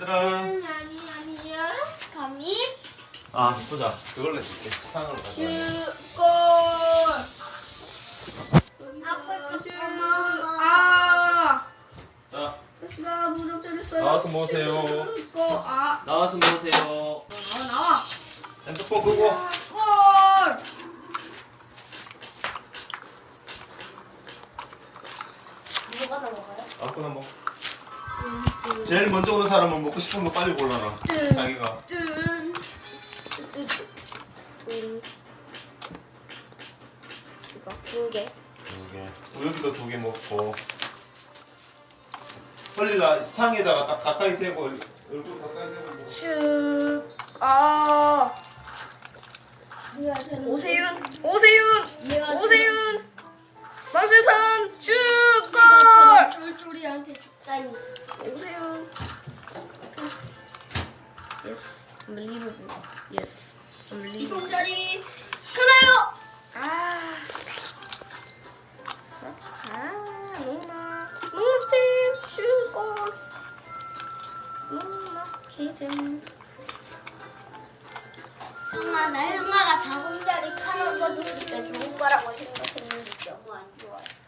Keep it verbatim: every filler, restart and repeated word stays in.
얘들아. 아니 아니야. 감히 아 보자. 그걸로 해줄게. 상으로 가자. 슈골. 아빠 슈. 잠깐만. 아. 자 됐어. 무릎 잘했어요. 나와서 모으세요. 슈골. 아. 나와서 모으세요. 나와 나와. 핸드폰 끄고. 골. 뭐가 넘어가요? 아무거나 먹. 제일 먼저 오는 사람은 먹고 싶은 거 빨리 골라라. 뜬. 자기가. 뜬. 뜬. 뜬. 이거 두 개. 두 개. 여기도 두 개 먹고. 빨리 나 상에다가 딱 가까이 대고 얼굴 가까이 대고 먹어. 슈. 아. 내가 되는 오세윤. 오세윤. 내가 오세윤. 박세선 슈골. 내가 저런 쫄쫄이한테 죽다니. 오세윤. Yes. Unbelievable. Yes. 이 Unbelievable. 동자리 하나요. 아. 아, 누나. 누팀 슈골. 누나 기잼. 형아, 나 형아가 다공자리 칼을 줬을 때 좋은 거라고 생각했는데 너무 안 좋아요.